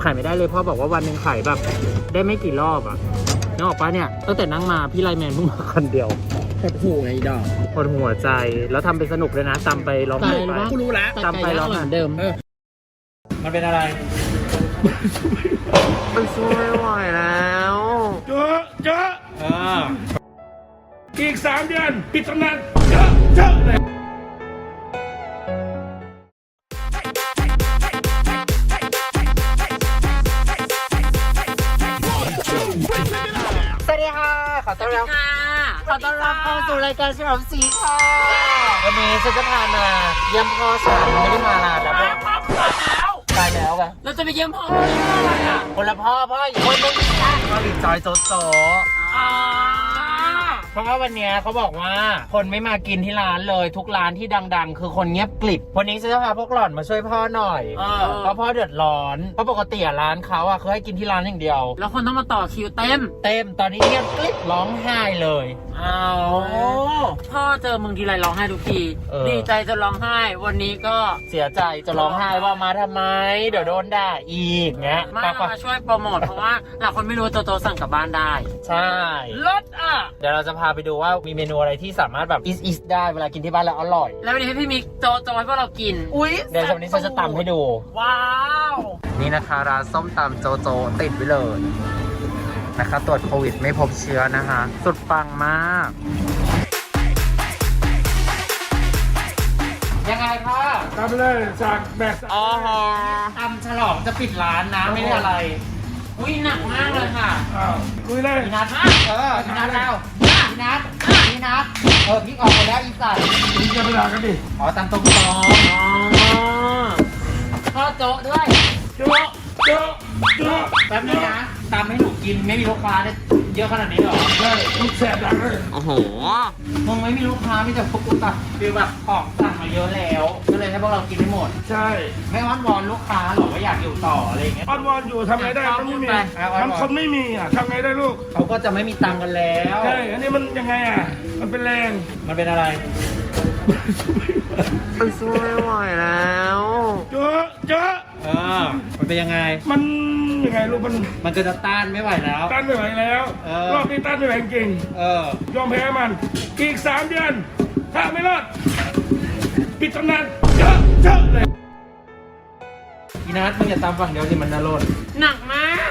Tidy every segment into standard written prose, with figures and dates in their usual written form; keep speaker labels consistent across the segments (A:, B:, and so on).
A: ขายไม่ได้เลยพ่อบอกว่าวันหนึ่งขายแบบได้ไม่กี่รอบอ่ะนึกออกปะเนี่ยตั้งแต่นั่งมาพี่ไลแมนเพิ่งมาคนเดียว
B: หดหูไงดอก
A: ปวดหัวใจแล้วทำเป็นสนุกเลยนะตำไปร้องไห้ไป
B: กูรู้แล้ว
A: ตำไปร้องเหมือนเดิมมันเป็นอะไรมันสู้ไม่ไหวแล้ว
C: เจออีก3 เดือนปิดตำนานเจอเลย
A: สวัสดีค่ะขอต้อนรับเข้าสู่รายการฉลองศรีค่ะวันนี้ฉันจะพามาเยี่ยมพ่อฉันไม่ได้มานานแล้วตายแล้วกัน
B: เราจะไปเยี่ยมพ่อ
A: คนละพ่ออีกคนนึงก็รีจอยโจเพราะว่าวันนี้เขาบอกว่าคนไม่มากินที่ร้านเลยทุกร้านที่ดังๆคือคนเงียบกลิบวันนี้ฉันจะพาพวกหล่อนมาช่วยพ่อหน่อยเพราะพ่อเดือดร้อนเพราะปกติร้านเขาเขาให้กินที่ร้านอย่างเดียว
B: แล้วคนต้องมาต่อคิวเต็ม
A: ตอนนี้เงียบกลิบร้องไห้เลย
B: พ่อเจอมึงทีไรร้องไห้ทุกทีดีใจจะร้องไห้วันนี้ก็
A: เสียใจจะร้องไห้ว่ามาทำไมเดี๋ยวโดนด่าอีกเงี้ย
B: มาช่วยโปรโมทเพราะว่าหลายคนไม่รู้โจสั่งกลับบ้านได้
A: ใช่
B: รส
A: เดี๋ยวเราจะพาไปดูว่ามีเมนูอะไรที่สามารถแบบอิสได้เวลากินที่บ้านแล้วอร่อย
B: แล้ววันนี้ให้พี่มิกโจให้พวกเรากิน
A: เดี๋ยววันนี้ฉันจะตำให้ดู
B: ว้าว
A: นี่นะคะร้านส้มตำโจติดไว้เลยนะคะตรวจโควิดไม่พบเชื้อนะคะสุดปังมากยังไงพ่อ
C: ทำเลยจากแบก
A: ตำฉลองจะปิดร้านนะไม่ได้อะไร
B: หนักมากเลยค่ะ
C: ลุยเลย
A: พี่นัทพี่นัทแล้วพี่นัทพี่ออกไปแล้วอีสัตว์
C: พี่จะไปด่ากันดิ
A: ตำตรง
B: พ่อโจ๊ด้วย
C: โจ๊
A: แป๊บนึงนะตำให้หนูกินไม่มีลูกค้าเนี่ยเยอะขนาดนี้หรอ
C: ใช่ลูกแสบดังเลย
A: โอ้โหมึงไม่มีลูกค้ามีแต่พวกกูตัดคือแบบของสั่งมาเยอะแล้วก็เลยให้พวกเรากินให้หมด
C: ใช่
A: ไม่อ้อนวอนลูกค้าหรอว่าอยากอยู่ต่ออะไรเงี้ย
C: อ้อนวอนอยู่ทำไงได้มันไม่มีมันคนไม่มีทำไงได้ลูก
A: เขาก็จะไม่มีตังค์กันแล้ว
C: ใช่อันนี้มันยังไงมันเป็นแรง
A: มันเป็นอะไรมันสู้ไม่ไหวแล้ว
C: เจอ
A: มันเป็นยังไง
C: มันยังไงลูก
A: มันจะต้านไม่ไหวแล้ว
C: ต้านไม่ไหวแล้วรอบนี้ต้านไม่ไหวจริงยอมแพ้มันอีก3 เดือนถ้าไม่รอดปิดตำนานเจอเลย
A: พี่นัทมึงอย่าตามฝั่งเดียวสิมันน่าโลด
B: หนักมาก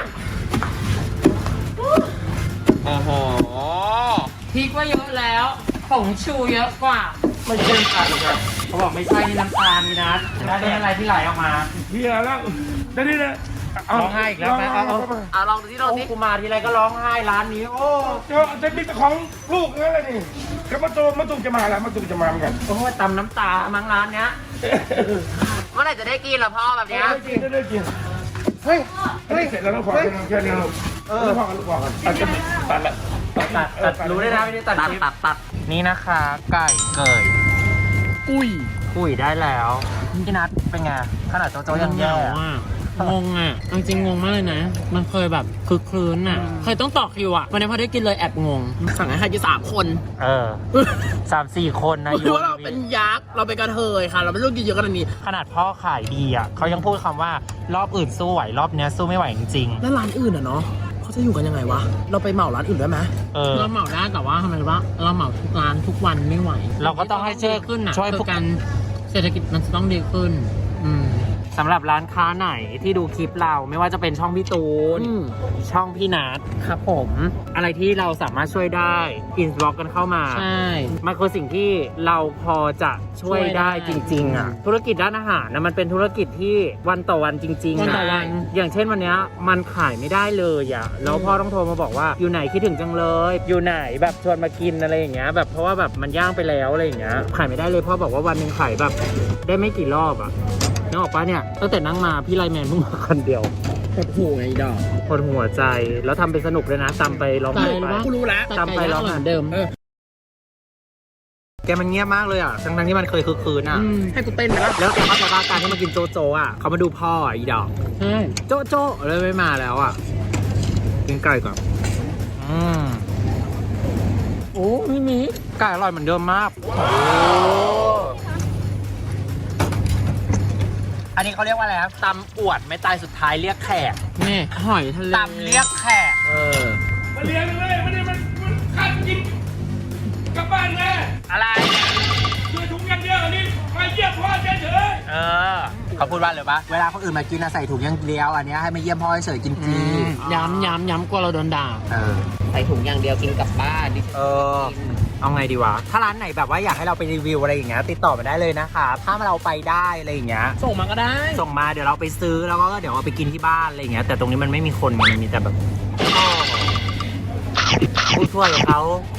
A: โอ้โห
B: พริกว่าเยอะแล้วผงชูเยอะกว่า
A: ไม่ใช่กันครับเขาบอกไม่ใช่นี่น้ำตาลนี่นะแล้วเป็นอะไรที่ไหลออกมา
C: เฮียแล้วได้ดินะ
A: ร้องไห้อีกแล้วไหม
B: ลองดูที่
A: กูมาทีไรก็ร้องไห้ร้านนี้โอ้
C: จะมีแต่ของลูกนั่นแหละนี่ก็มาตูจะมาแล้วมาตูจะมาเหมือนกัน
A: โอ้ยตำน้ำตามั้งร้านเนี้ย
B: เมื่อไหร่จะได้กินล่ะพ่อแบบนี้
C: ได้กินเฮ้ยเสร็จแล้วต้องขอแค่นี้ลูกพอกันลูกพอกันตัดละ
A: ตัดรู้ได้นะไม่ได้ตัดนี่นะคะไก่เกยกุ้ยได้แล้วพี่นัทเป็นไงขนาดโจยังแย่
B: งงจริงงงมากเลยนะมันเคยแบบคึกครื้นเคยต้องต่อคิววันนี้พอได้กินเลยแอบงงสั่งให้อยู่3 คน
A: 3-4 คนนะ
B: อยู่ว่าเราเป็นยักษ์เราเป็นกระเทยค่ะเราไม่รู้กินเยอะขนาดนี้
A: ขนาดพ่อขายดีเขายังพูดคำว่ารอบอื่นสู้ไหวรอบนี้สู้ไม่ไหวจริง
B: ๆแล้วร้านอื่นเนาะเขาจะอยู่กันยังไงวะเราไปเหมาร้านอื่นได้ไหมเราเหมาได้แต่ว่าทำไมวะเราเหมาทุกร้านทุกวันไม่ไหว
A: เราก็ต้องให้ช่วย
B: ขึ้น
A: ช่วย
B: พวกกันเศรษฐกิจมันจะต้องดีขึ้น
A: สำหรับร้านค้าไหนที่ดูคลิปเราไม่ว่าจะเป็นช่องพี่ตูนช่องพี่นัทครับผมอะไรที่เราสามารถช่วยได้อินบ็อกกันเข้ามา
B: ใช่
A: มันคือสิ่งที่เราพอจะช่วยได้จริงๆธุรกิจด้านอาหารนะมันเป็นธุรกิจที่วันต่อวันจริงๆ
B: วันต่อวัน
A: อย่างเช่นวันนี้มันขายไม่ได้เลยแล้วพ่อต้องโทรมาบอกว่าอยู่ไหนคิดถึงจังเลยอยู่ไหนแบบชวนมากินอะไรอย่างเงี้ยแบบเพราะว่าแบบมันย่างไปแล้วอะไรอย่างเงี้ยขายไม่ได้เลยพ่อบอกว่าวันนึงขายแบบได้ไม่กี่รอบนึกออกปะเนี่ยตั้งแต่นั่งมาพี่ไลแมนเพิ่งมาคนเดียว
B: หดหูไงดอก
A: ปวดหัวใจแล้วทำเป็นสนุกเลยนะตำไปร้องไห้ไป
B: กูรู้แล้ว
A: ตำไปร้องเหมือนเดิมแกมันเงียบมากเลยทั้งที่มันเคยคึกคืน
B: ให้กูเต้นไป
A: แล้วแกเข้าใจว่าการที่มากินโจเขามาดูพ่ออีดอก
B: ใช่
A: โจเลยไม่มาแล้วกินไก่ก่อน
B: โอ้ไม่มี
A: ไก่อร่อยเหมือนเดิมมากอันนี้เขาเรียกว่าอะไรครับตำอวดไม่ตายสุดท้ายเรียกแขก
B: นี่หอยทะเล
A: ตำเรียกแขก
C: มาเลี้ยงเลยไม่ได้มันข้ากินกลับบ้านแน่
A: อะไร
C: ช่วยถุงอย่างเดียวอันนี้มาเยี่ยมพ่อเฉย
A: เขาพูดว่าเลยปะเวลาคนอื่นมากินใส่ถุงอย่างเดียวอันนี้ให้มาเยี่ยมพ่อเฉยกินฟรี
B: ย้ำกลัวเราโดนด่า
D: ใส่ถุงอย่างเดียวกินกลับบ้านดิ
A: เอาไงดีวะถ้าร้านไหนแบบว่าอยากให้เราไปรีวิวอะไรอย่างเงี้ยติดต่อมาได้เลยนะคะถ้าเราไปได้อะไรอย่างเงี้ย
B: ส่งมาก็ได้
A: ส่งมาเดี๋ยวเราไปซื้อแล้วก็เดี๋ยวเอาไปกินที่บ้านอะไรอย่างเงี้ยแต่ตรงนี้มันไม่มีคนมันมีแต่แบบผู้ช่วยเขา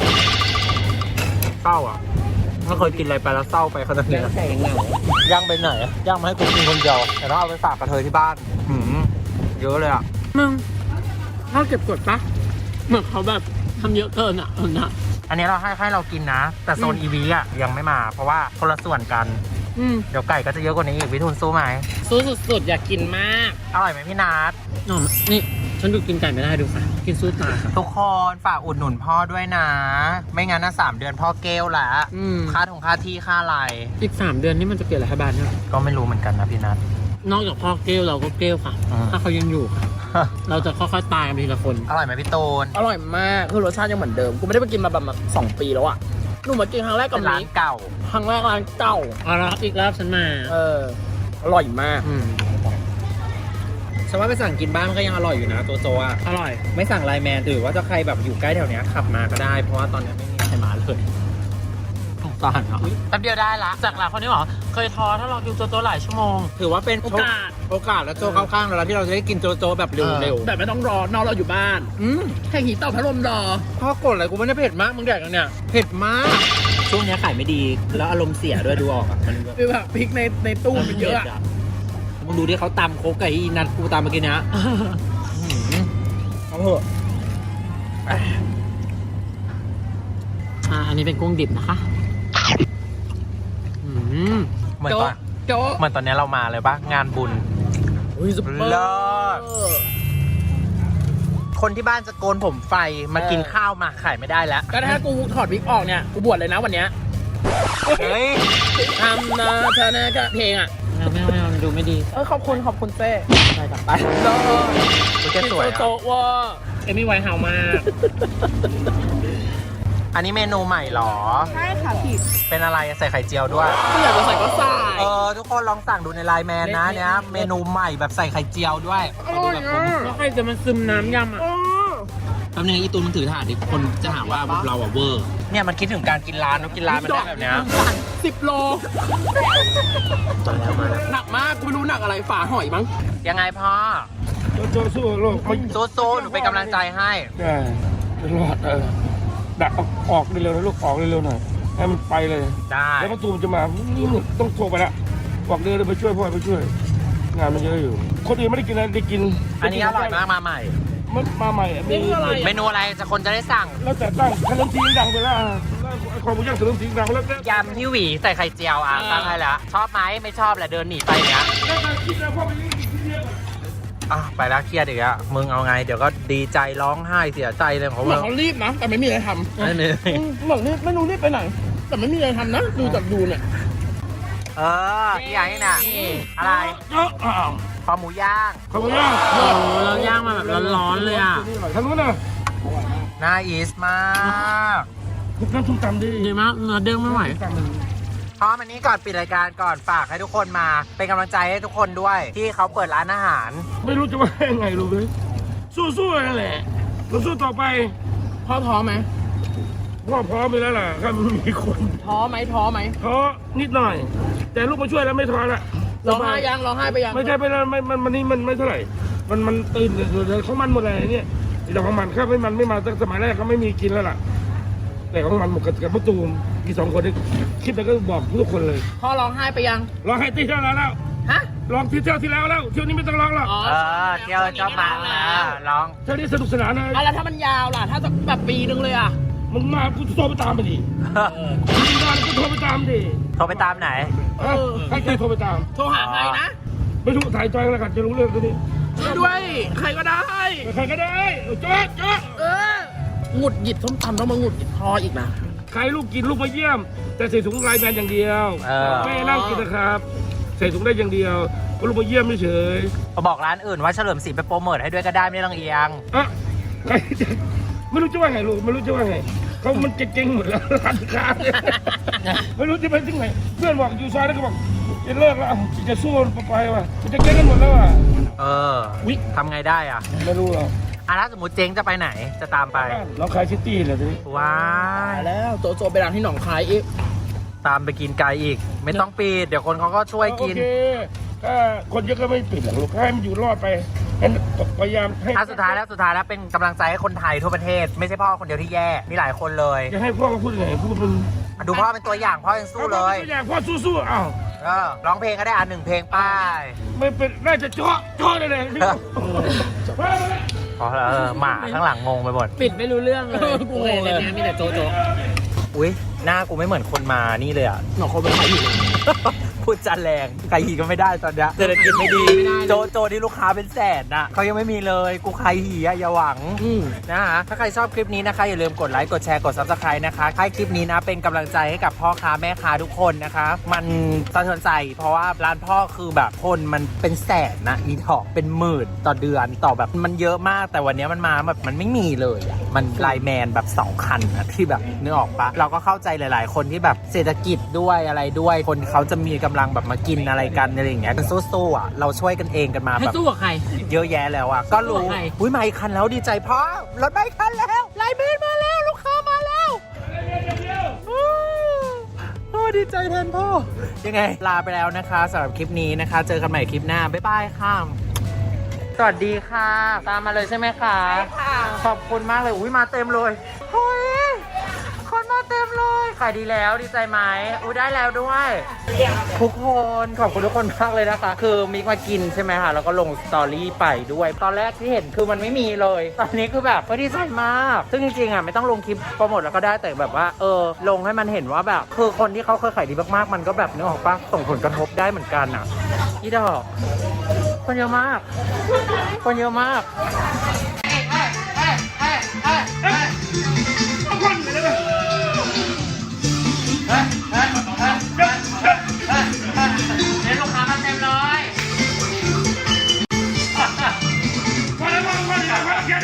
A: เศร้าอ่ะไม่เคยกินอะไรไปแล้วเศร้าไปขนาดนี้
D: ใส่เหงา
A: ย่างไปไหนอะย่างมาให้กูกินคนเดียวแต่ต้องเอาไปฝากกระเทยที่บ้านเยอะเลยอ่ะ
B: มึงถ้าเก็บกดปะเหมือนเขาแบบทำเยอะเกินอ่ะนะ
A: อันนี้เราให้เรากินนะแต่โซนอีวีอ่ะยังไม่มาเพราะว่าคนละส่วนกันเดี๋ยวไก่ก็จะเยอะกว่านี้อีกวิทูลสู้ไหม
B: สู้สุดๆอยากกินมาก
A: อร่อยไหมพี่นัท
B: นี่ฉันดูกินไก่ไม่ได้ดูค่ะกินสู้ตายค่ะ
A: ทุกคนฝากอุดหนุนพ่อด้วยนะ ไม่งั้นนะ3 เดือนพ่อเกลละค่าที่ค่าอะไร
B: อีก3 เดือนนี่มันจะเปลี่ยนรัฐบาลเนี่ย
A: ก็ไม่รู้เหมือนกันนะพี่นัท
B: นอกจากพ่อเกลเราก็เกลค่ะ ถ้าเขายังอยู่ค่ะ เราจะค่อยๆตายกันทีละคน
A: อร่อยไหมพี่ตูน
D: อร่อยมากคือรสชาติยังเหมือนเดิมกูไม่ได้ไปกินมาแบบ2 ปีแล้วอ่ะหนูมากินครั้งแรกกับ
A: เป็นร้าน
D: มิก
A: เก่า
D: ครั้งแรกร้านเก่า
B: เอาละอีกรอบฉันมา
D: อร่อยมาก
A: ฉันว่าไปสั่งกินบ้านก็ยังอร่อยอยู่นะโจอ่ะ
B: อร่อย
A: ไม่สั่งไลน์แมนหรือว่าจะใครแบบอยู่ใกล้แถวเนี้ยขับมาก็ได้เพราะว่าตอนนี้ไม่มีใครมาเลยสงสารเนาะแป๊บเดียวได้ละ
B: จากหลักคนนี้บอกเคยท้อถ้าเราดูโจหลายชั่วโมง
A: ถือว่าเป็น
B: โอกาส
A: โอกาสแล้วโจเข้าข้างเราแล้วที่เราจะได้กินโจแบบเร็ว
D: แบบไม่ต้องรอนอกเราอยู่บ้านแค่หีเต่าพัดลมรอ
A: ๆพ่อกดอะไรกูไม่ได้เผ็ดมากมึงแดกกันเนี่ยเผ็ดมากช่วงนี้ขายไม่ดีแล้วอารมณ์เสียด้วยดูออกอ่ะมัน
D: คือแบบพริกในตู้มันเยอะอะ
A: มึงดูที่เขาตำโคกไก่อีนัทกูตำเมื่อกี้นะเอาเถอะ
B: อันนี้เป็นกุ้งดิบนะคะ
A: เหมือนตอนนี้เรามาเลยปะงานบุญ
D: ซุปเปอร์
A: เลิศ คนที่บ้านจะโกนผมไฟมากินข้าวมาขายไม่ได้แล้ว
D: ก็ถ้ากูถอดวิกออกเนี่ยกูบวชเลยนะวันเนี้ย
A: เฮ้ย
D: ทำนะเธอเนี่ยก็เพลงอ่ะ
B: ไม่เอาดูไม่ดี
D: ขอบคุณเต้
B: ไปกลับไป
A: กูจะสวย
D: โจ
A: อะ
D: ว่า
B: เอมี่ไวท์เฮาส์มาก
A: อันนี้เมนูใหม่เหรอ
D: ใช่ค่ะผิด
A: เป็นอะไรใส่ไข่เจียวด้วย
D: กูอยากจะใส่ก็ใส่
A: ทุกคนลองสั่งดูในไลน์แมนนะเนี่ยเมนูใหม่แบบใส่ไข่เจียวด้วย
B: แล้วใครจะมาซึมน้ำยำอ่ะ
A: แป๊บนึงอีตูนมึงถือถาดดิคนจะหาว่าเราอะเวอร์เนี่ยมันคิดถึงการกินร้านกินร้านมันได้แบบเนี้ย
D: 10 โล
A: มาแล้ว
D: หนักมากกูไม่รู้หนักอะไรฝาหอยมั้ง
A: ยังไงพ่อ
C: โจสู้โลกไม่
A: โซหนูเป็นกำลังใจให้
C: ได้รอดดักออกเร็วๆนะลูกออกเร็วๆหน่อยให้มันไปเลย
A: ได้
C: แล้วประตูมันจะมาต้องโทรไปละบอกเดี๋ยวไปช่วยพ่อไปช่วย งานมันเยอะอยู่ คนอื่นไม่ได้กินอะไรได้กิน
A: อันนี้อร่อยมากมาใหม่
C: มันมาใหม่มี
A: เมนูอะไรจะคนจะได้สั่ง
C: แล้วแต่ตั้งขนมจีนดังไปแล้วความหมูย่างขนมจีนดังแล้ว
A: ยำที่หวีใส่ไข่เจียวตั้งให้แล้วชอบไหมไม่ชอบแหละเดินหนีไปเนี้ย
C: แล้วการคิดนะพ่อไปกินที่เดียว
A: ไปแล้วเครียดอีกอะมึงเอาไงเดี๋ยวก็ดีใจร้องไห้เสียใจเลยของ
D: เหมื
A: มึ
D: อน
A: ง
D: เขารีบนะ แต่ไม่มีอะไรทำ
A: นั่นเอง
D: เหมือนไม่รู้รีบไปไหน แต่ไม่มีอะไรทำนะ ดูจากดูเนี่ย
A: พี่ใหญ่น่ะอะไร
C: เยอะอ้าว
A: คอหมูย่าง
C: ขอบคุณย่าง
B: เราย่างมาแบบร้อนๆเลยอ่ะ
C: ทางนู้นน่ะ
A: น่าอีสมาก
C: ทุกน้ำทุกตำดิ
B: ดีมากเนื้อเด้งไม่ไหว
A: พร้อมอันนี้ก่อนปิดรายการก่อนฝากให้ทุกคนมาเป็นกำลังใจให้ทุกคนด้วย ที่เขาเปิดร้านอาหาร
C: ไม่รู้จะว่ายังไงรู้ไหมสู้ๆนั่นแหละเราสู้ต่อไป
D: พ่อท้อไหม
C: พ่อพร้อมไปแล้วล่ะครับมีคน
D: ท้อไหมท้อไหม
C: ท้อนิดหน่อย แต่ลูกมาช่วยแล้วไม่ท้อละ
D: ร้องไห้ยังร้องไห้ไปยัง
C: ไม่ใช่ไปแล้วมันนี่มันไม่เท่าไหร่มันตื่นเลยเขามันหมดเลยเนี่ยแต่ของมันครับไม่มาตั้งสมัยแรกเขาไม่มีกินแล้วล่ะ แต่ของมันหมดกับมะตูมกี่2 คนนี่คลิปแล้วก็บอกทุกคนเลย
D: พ่อร้องไห้ไปยัง
C: ร้องให้ที่เที่ยวแล้ว
D: ฮะ
C: ร้องที่เที่ยวที่แล้วเที่ยวนี้ไม่ต้องร้องหรอก
A: เที่ยวชอบมาร้อง
C: เที่ยวนี้สนุกสนานเลย
D: แล้วถ้ามันยาวล่ะ ถ้าจะแบบปีนึงเลยอ่ะ
C: มึงมากูโทรไปตามไปดิมึงมากูโทรไปตามดิ
A: โทรไปตามไหน
C: ให้ใครโทรไปตาม
D: โทรหาใครนะ
C: ไม่รู้ถ่ายจอยแล้วกันจะรู้เรื่องตัวนี้
D: ช่วยด้วย ใครก็ได้
C: ใครก็ได้โจ๊ะ
D: หงุดหงิดส้มตำต้องมาหงุดหงิดพออีกนะ
C: ใครลูกกินลูกมาเยี่ยม แต่ใส่ถุงลายแมนอย่างเดียว ไม่ให้นั่งกินนะครับ ใส่ถุงได้อย่างเดียวก็ลงมาเยี่ยมเฉย
A: บอกร้านอื่นว่าเฉลิมศรีไปโปรโมทให้ด้วยก็ได้ไม่ต้องเอียง
C: ๆอ่ะใครจะไม่รู้จะว่าไงลูกไม่รู้จะว่าไงเขามันเจ๊งหมดแล้วร้านค้าเนี่ยไม่รู้จะไปที่ไหนเพื่อนบอกอยู่ซอยแล้วก็บอกจะเลิกแล้วจะสู้ไปว่ะจะเจ๊งกันหมดแล้วอ่ะ
A: เออทำไงได้อ่ะ
C: ไม่รู้หรอก
A: ถ้าสมมติเจ๊งจะไปไหนจะตามไป
C: เราขายซิตี้เลยทีนี้
A: ว้า
D: ตาย ยแล้วโจโจไปร้านที่หนองคายอีก
A: ตามไปกินไกลอีก ไม่ต้องปิดเดี๋ยวคนเขาก็ช่วยกิน
C: โอเคถ้าคนเยอะก็ไม่ปิดหรอกลูกให้มันอยู่รอดไปให้พยายามให้
A: สุดท้ายแล้วเป็นกำลังใจให้คนไทยทั่วประเทศ ไม่ใช่พ่อคนเดียวที่แย่มีหลายคนเลย
C: จะให้พ่อเขาพูดยังไงพูดเป็น
A: ดูพ่อเป็นตัวอย่างพ่อยังสู้เลย
C: ตัวอย่างพ่อสู้ๆอ้าว
A: ร้องเพลงก็ได้หนึ่งเพลงป้าย
C: ไม่เป็นน่าจะเจาะเลยเลย
A: พอแล้วหมาข้างหลังงงไปหมด
B: ปิดไม่รู้เรื่องเลย
D: กูงงเลย
B: มีแต่โจโจ
A: อุ้ยหน้ากูไม่เหมือนคนมานี่เลยอ่ะ
D: หนองคนเป็นใครอยู่
A: พูดจาแรงใครหีก็ไม่ได้ตอนเนี้ยเศรษฐกิจไม่ดี โจที่ลูกค้าเป็นแสนน่ะเขายังไม่มีเลยกูใครหีอะอย่าหวังนะฮะถ้าใครชอบคลิปนี้นะคะอย่าลืมกดไลค์กดแชร์กด Subscribe นะคะให้คลิปนี้นะเป็นกำลังใจให้กับพ่อค้าแม่ค้าทุกคนนะคะ มันสะเทือนใจเพราะว่าร้านพ่อคือแบบคนมันเป็นแสนนะอีทอกเป็นหมื่นต่อเดือนต่อแบบมันเยอะมากแต่วันนี้มันมาแบบมันไม่มีเลยอะมันไลน์แมนแบบ2คันนะที่แบบนึกออกปะเราก็เข้าใจหลาย ๆ คนที่แบบเศรษฐกิจด้วยอะไรด้วยคนเขาจะมีกำลังแบบมากินอะไรกันอะไรอย่างเงี้ยกันสู้ๆอ่ะเราช่วยกันเองกันมา
B: ให้
A: แบบ
B: สู้กับใคร
A: เยอะแยะแล้วอ่ะก็รู้
B: สู้กับใคร
A: อุ้ยมาอีกคันแล้วดีใจพ่อรถมาอีกคันแล้วไลน์แมนมาแล้วลูกค้ามาแล้วโอ้ดีใจแทนพ่อยังไงลาไปแล้วนะคะสำหรับคลิปนี้นะคะ เจอกันใหม่คลิปหน้าบ๊ายบายค่ะสวัสดีค่ะ ตามมาเลยใช่ไหมคะใช่ค่ะขอบคุณมากเลยอุ้ยมาเต็มเลยเฮ้ยคนมาเต็มเลยขายดีแล้วดีใจไหมอุ้ยได้แล้วด้วยทุกคนขอบคุณทุกคนมากเลยนะคะ คือมิกมากินใช่ไหมคะแล้วก็ลงสตอรี่ไปด้วย ตอนแรกที่เห็นคือมันไม่มีเลย ตอนนี้คือแบบดีใจมากซึ่งจริงๆอ่ะไม่ต้องลงคลิปโปรโมทแล้วก็ได้แต่แบบว่าลงให้มันเห็นว่าแบบคือคนที่เขาเคยขายดีมากๆมันก็แบบนึกออกปะส่งผลกระทบได้เหมือนกันอ่ะอีดอกคนเยอะมากคนเยอะมาก